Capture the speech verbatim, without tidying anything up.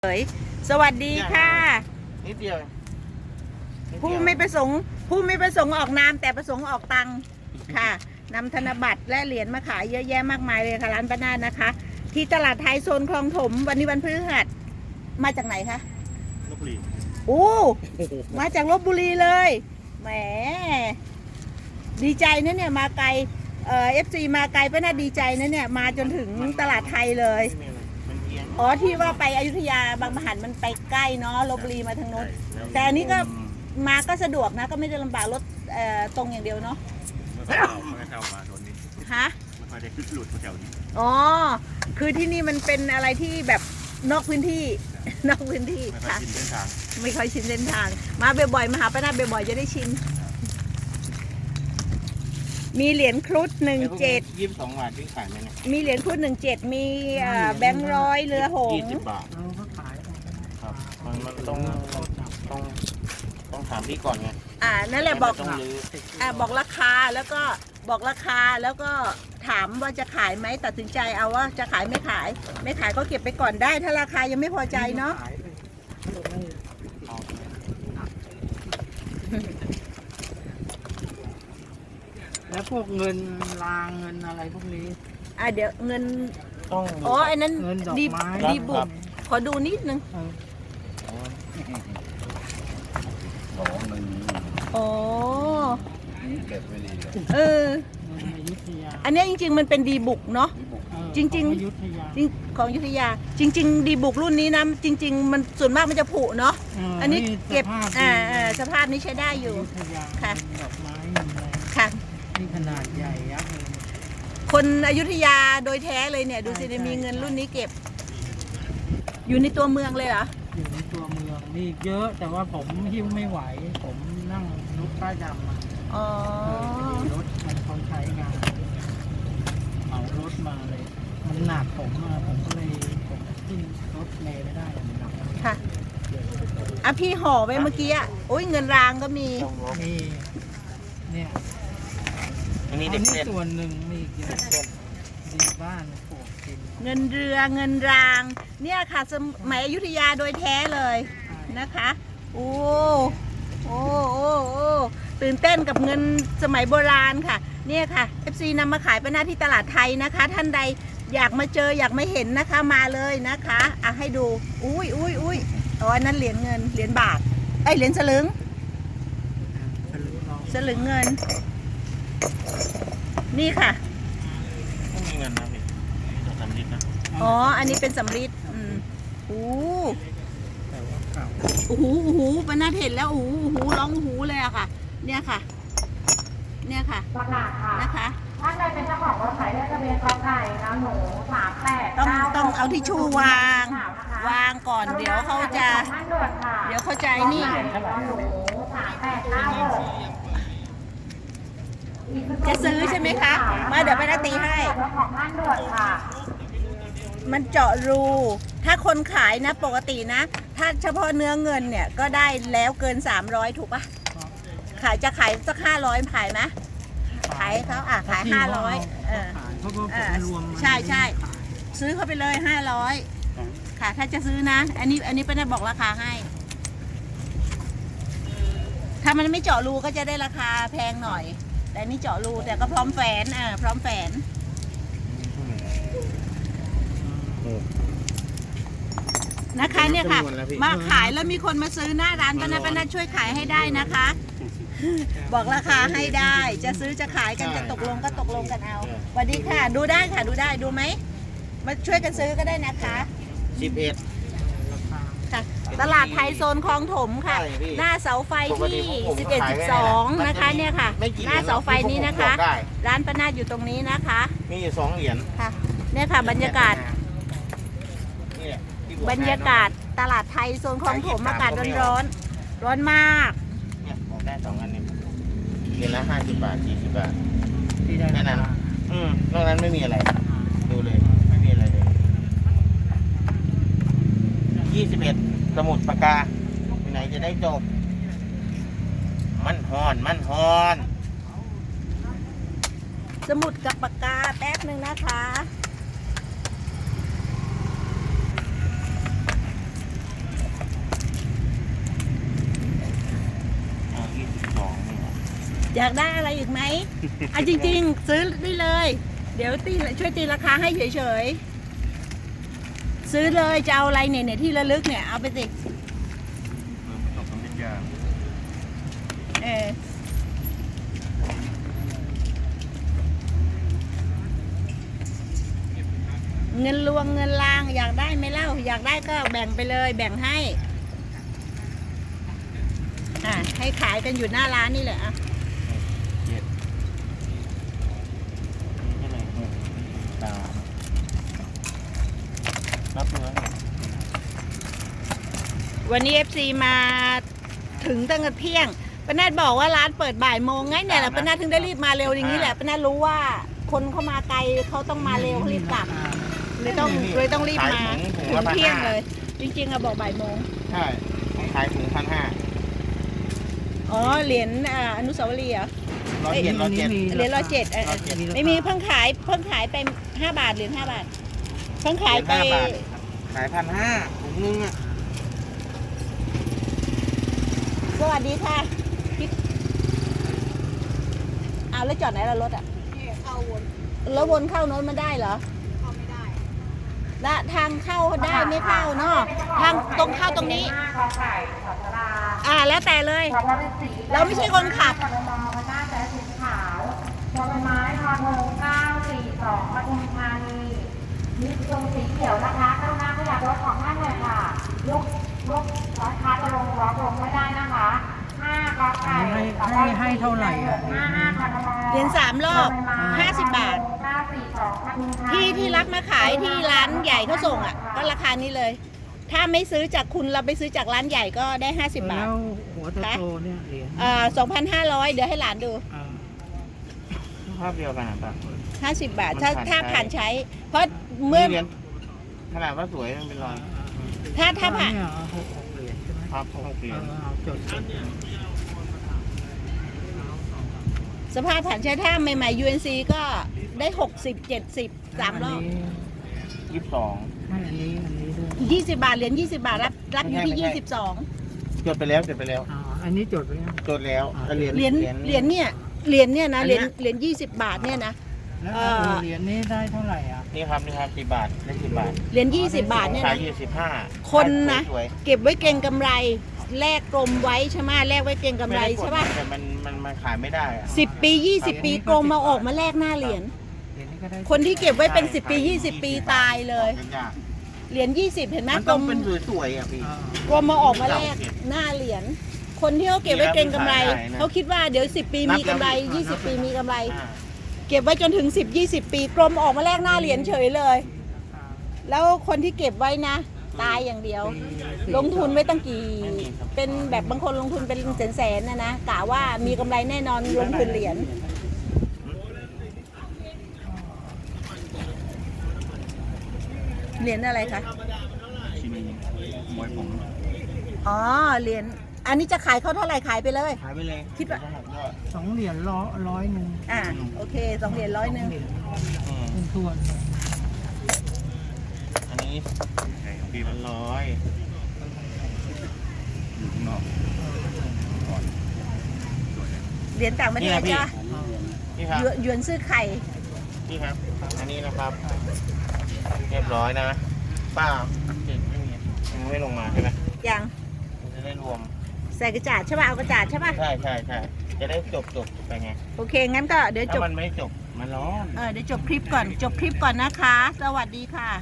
เอ๋ยสวัสดีค่ะนิดเดียวผู้ไม่ประสงค์ผู้ไม่ประสงค์ออกนามแต่ประสงค์ออกตังค่ะนำธนบัตรและเหรียญมาขายเยอะแยะมากมายเลยค่ะร้านป้านาฏนะคะ ที่ตลาดไทยโซนคลองถมวันนี้วันพฤหัสมาจากไหนคะลพบุรีโอ้มาจากลพบุรีเลยแหมดีใจนะเนี่ยมาไกลเอ่อเอฟซีมาไกลป้านาฏดีใจนะเนี่ยมาจนถึงตลาดไทยเลยอ๋อที่ว่าไปอยุธยาบางมหันมันไปใกล้เนาะลพบุรีมาทางโน้นแต่อันนี้ก็มาก็สะดวกนะก็ไม่ได้ลำบากรถตรงอย่างเดียวเนาะไม่ค่อยไม่ค่อยเข้ามาโซนนี้ฮะไม่ค่อยได้ขึ้นหลุดแถวนี้อ๋อคือที่นี่มันเป็นอะไรที่แบบนอกพื้นที่นอกพื้นที่ค่ะไม่ค่อยชินเส้นทางมาบ่อยๆมาหาป้านาฏบ่อยๆจะได้ชินมีเหรียญครุฑหนึ่งเจ็ดยี่สิบสองบาทที่ขายไหมเนี่ยมีเหรียญครุฑหนึ่งเจ็ดมีแบงค์ร้อยเรือหงส์ยี่สิบบาทครับมันมันต้องต้องต้องถามพี่ก่อนไงอ่านั่นแหละบอกอ่าบอกราคาแล้วก็บอกราคาแล้วก็ถามว่าจะขายไหมตัดสินใจเอาว่าจะขายไม่ขายไม่ขายก็เก็บไปก่อนได้ถ้าราคายังไม่พอใจเนาะแล้วพวกเงินรางเงินอะไรพวกนี้อ่ะเดี๋ยวเงินต้องอ๋อไอ้นั้นดีดีบุกขอดูนิดนึงอ๋อเก็บไว้ดีเอออันนี้จริงๆมันเป็นดีบุกเนาะจริงๆจริงของอยุธยาจริงๆดีบุกรุ่นนี้นะจริงๆมันส่วนมากมันจะผุเนาะอันนี้เก็บอ่าสภาพนี้ใช้ได้อยู่ค่ะค่ะนี่ขนาดใหญ่ยักษ์เลยคนอยุธยาโดยแท้เลยเนี่ยดูสิมีเงินรุ่นนี้เก็บอยู่ในตัวเมืองเลยเหรออยู่ในตัวเมืองนี่เยอะแต่ว่าผมหิ้วไม่ไหวผมนั่งรถป้ายดำมาอ๋อรถมันคนใช้งานเหมารถมาเลยมันหนักผมมาผมก็เลยผมขึ้นรถเมล์ไม่ได้มันหนักค่ะอ่ะพี่ห่อไว้เมื่อกี้อ่ะโอ้ยเงินรางก็มีนี่เนี่ยอันนี้เด็กเส้นส่วนหนึ่งมีเยอะดีบ้านปลูกกินเงินเรือเงินรางเนี่ยค่ะสมัยอยุธยาโดยแท้เลยนะคะโอ้โอ้โอ้โอ้ตื่นเต้นกับเงินสมัยโบราณค่ะเนี่ยค่ะ เอฟ ซี นำมาขายเป็นหน้าที่ตลาดไทยนะคะท่านใดอยากมาเจออยากมาเห็นนะคะมาเลยนะคะอ่ะให้ดูอุ้ยอุ้ยอุ้ยอ๋ออันนั้นเหรียญเงินเหรียญบาทไอ้เหรียญสลึงสลึงเงินนี่ค่ะต้องมีเงินนะพี่สำริดนะอ๋ออันนี้เป็นสำริดอืมโอ้โอ้โหโอ้โหป้านาฏเห็นแล้วโอ้โหโอ้โหร้องโอ้โหเลยอะค่ะเนี่ยค่ะเนี่ยค่ะนะคะท่านใดเป็นเจ้าของรถไถเลขทะเบียนกอไก่นะหนูสามแปดต้องต้องเอาทิชชู่วางวางก่อนเดี๋ยวเขาจะเดี๋ยวเขาใจนี่จะซื้อใช่ไหมคะมาเดี๋ยวป้านาฏตีให้มันเจาะรูถ้าคนขายนะปกตินะถ้าเฉพาะเนื้อเงินเนี่ยก็ได้แล้วเกินสามร้อยถูกปะขายจะขายสักห้าร้อยขายไหมขายเขาอ่ะขายห้าร้อยเออใช่ใช่ซื้อเขาไปเลยห้าร้อยค่ะถ้าจะซื้อนะอันนี้อันนี้ป้านาฏบอกราคาให้ถ้ามันไม่เจาะรูก็จะได้ราคาแพงหน่อยแต่นี่เจาะรูแต่ก็พร้อมแฝนอ่าพร้อมแฝนนะคะเนี่ยค่ะมาขายแล้วมีคนมาซื้อหน้าร้านป้านาฏป้านาฏช่วยขายให้ได้นะคะบอกราคาให้ได้จะซื้อจะขายกันจะตกลงก็ตกลงกันเอาสวัสดีค่ะดูได้ค่ะดูได้ดูไหมมาช่วยกันซื้อก็ได้นะคะสิบเอ็ดค่ะตลาดไทยโซนคลองถมค่ะหน้าเสาไฟที่สิบเอ็ด สิบสองนะคะเนี่ยค่ะหน้าเสาไฟนี้นะคะร้านป้านาฏอยู่ตรงนี้นะคะมีอยู่สองเหรียญค่ะเนี่ยค่ะบรรยากาศบรรยากาศตลาดไทยโซนคลองถมอากาศร้อนร้อนมากเนี่ยผมได้สองอันนี้เหรียญละห้าสิบบาทสี่สิบบาทที่ได้แค่นั้นอืมนอกนั้นไม่มีอะไรดูเลยไม่มีอะไรเลยยี่สิบเอ็ดสมุดปากกาไหนจะได้จบมันฮอนมันฮอนสมุดกับปากกาแป๊บหนึ่งนะคะอยากได้อะไรอีกไหมอ่ะจริงๆ ซื้อได้เลย เดี๋ยวตีช่วยตีราคาให้เฉยๆซื้อเลยจะเอาอะไรเนี่ยเนี่ยที่ระลึกเนี่ยเอาไปสิตกน้ำพริกยาเออเงินลวงเงินลางอยากได้ไหมเล่าอยากได้ก็แบ่งไปเลยแบ่งให้อ่ะให้ขายกันอยู่หน้าร้านนี่แหละอ่ะเจ็ดนี่เท่าไหร่หกสามนับเนื้อวันนี้ เอฟ ซี มาถึงตั้งแต่เที่ยงป้านาดบอกว่าร้านเปิดบ่ายโมงไงเนี่ยแหละป้านาดถึงได้รีบมาเร็วอย่างนี้แหละป้านาดรู้ว่าคนเขามาไกลเขาต้องมาเร็วเขารีบกลับเลยต้องเลยต้องรีบมาถึงเที่ยงเลย จริงๆอะบอกบ่ายโมงใช่ขายถุงพันห้าอ๋อเหรียญอ่าอนุสาวรีย์เหรอร้อยเจ็ดร้อยเจ็ดเหรียญร้อยเจ็ดเออร้อยเจ็ดไม่มีเพิ่งขายเพิ่งขายไปห้าบาทเหรียญห้าบาทเพิ่งขายไปห้าบาทขายพันห้าถุงนึงอ่ะสวัสดีค่ะพี่เอาแล้วจอดไหนล่ะรถอ่ะเข้าวนแล้ววนเข้าโน้นมาได้เหรอเข้าไม่ได้และทางเข้าได้ไม่เข้าเนาะทางตรงเข้าตรงนี้ห้ากอไก่ขอสลาอ่าแล้วแต่เลยขอพระฤาษีเราไม่ใช่คนขับพรบพระนาแสสีขาวพอใบไม้ทอทงเก้าสี่สองปทุมธานีมีตรงสีเขียวนะคะกรุณาขยับรถของท่านหน่อยค่ะยกยกร้อยค้าจะลงล้อลงไม่ได้นะคะห้ากอไก่ให้ให้ให้เท่าไหร่อ่ะห้าห้าพรบเหรียญสามรอบห้าสิบบาทเก้าสี่สองปทุมธานีที่ที่รับมาขายที่ร้านใหญ่เขาส่งอ่ะก็ราคานี้เลย ถ้าไม่ซื้อจากคุณเราไปซื้อจากร้านใหญ่ก็ได้ห้าสิบบาทแล้วหัวโตๆเนี่ยเหรียญอ่าสองพันห้าร้อยเดี๋ยวให้หลานดูอ่าภาพเดียวกันอ่ะป่ะห้าสิบบาท ถ้ามันผ่านถ้าใช้ผ่านใช้ เพราะเมื่อเหรียญขนาดว่าสวยมันเป็นรอยถ้าถ้าผ่านเนี่ยเอาหกหกเหรียญใช่ไหมครับหกเหรียเอญอเอาจดสิสภาพผ่านใช้ถ้าใหม่ๆ ยู เอ็น ซี ก็ได้หกสิบ เจ็ดสิบ สามรอบยี่สิบสองไม่อันนี้อันนี้ด้วยยี่สิบบาท เหรียญยี่สิบบาท รับรับอยู่ที่ไม่ใช่ยี่สิบสองจดไปแล้วจดไปแล้วอ่าอันนี้จดไปยังจดแล้วเหรียญเหรียญเหรียญเนี่ย เหรียญเนี่ยนะอันเหเนี้รียยญเหรียญยี่สิบบาทเนี่ยนะแล้วเอ่อเหรียญนี้ได้เท่าไหร่อ่ะนี่ครับนี่ครับสิบบาทได้สิบบาทเหรียญยี่สิบบาทเนี่ยขายนะยี่สิบห้าคนนะสวยเก็บไว้เก็งกำไร แลกกลมไว้ใช่ไหมแลกไว้เก็งๆกำไรม่ด้กดใช่ป่ะแต่มันมันมันขายไม่ได้อะสิบปียี่สิบปีกลมมาออกมาแลกหน้าเหรียญเหรียญนี้ก็ได้คนที่เก็บไว้เป็นใช่สิบปียี่สิบปีตายเลยมันยากเหรียญยี่สิบเห็นไหมมันกลต้องมเป็นสวยๆอ่ะพี่อ่ากลมมาออกมาแลกหน้าเหรียญคนที่เขาเก็บไว้เก็งกำไรขายได้นะเขาคิดว่าเดี๋ยวสิบปีนับมีกำไรแล้วยี่สิบปีมีกำไรอ่าเก็บไว้จนถึงสิบยี่สิบปีกลมออกมาแลกหน้าเหรียญเฉยเลยอ่าแล้วคนที่เก็บไว้นะ ตายอย่างเดียว ลงทุนไว้ตั้งกี่ เป็นแบบบางคนลงทุนเป็นแสนๆนะนะกะว่ามีกำไรแน่นอนลงทุนเหรียญเหรียญอะไรคะชินีมวยผมอ๋อเหรียญอันนี้จะขายเขาเท่าไหร่ขายไปเลยขายไปเลยคิดว่าสองเหรียญร้อยร้อยหนึ่งอ่าโอเคสองเหรียญร้อยหนึ่งเหรียญอืมเป็นทวนอันนี้ปีมันร้อยอยู่ข้างนอกเหรียญต่างประเทศนี่จ้ะนะพี่ นี่ครับหยวนหยวนซื้อไข่นี่ครับ อันนี้นะครับ เรียบร้อยนะ ป้าติดไม่มียังไม่ลงมาใช่ไหมยังมันจะได้รวมใส่กระจาดใช่ป่ะเอากระจาดใช่ป่ะใช่ใช่ใช่จะได้จบจบไปไงโอเคงั้นก็เดี๋ยวจถ้าบมันไม่จบ มันร้อนเออเดี๋ยวจบคลิปก่อนจบคลิปก่อนนะคะ สวัสดีค่ะ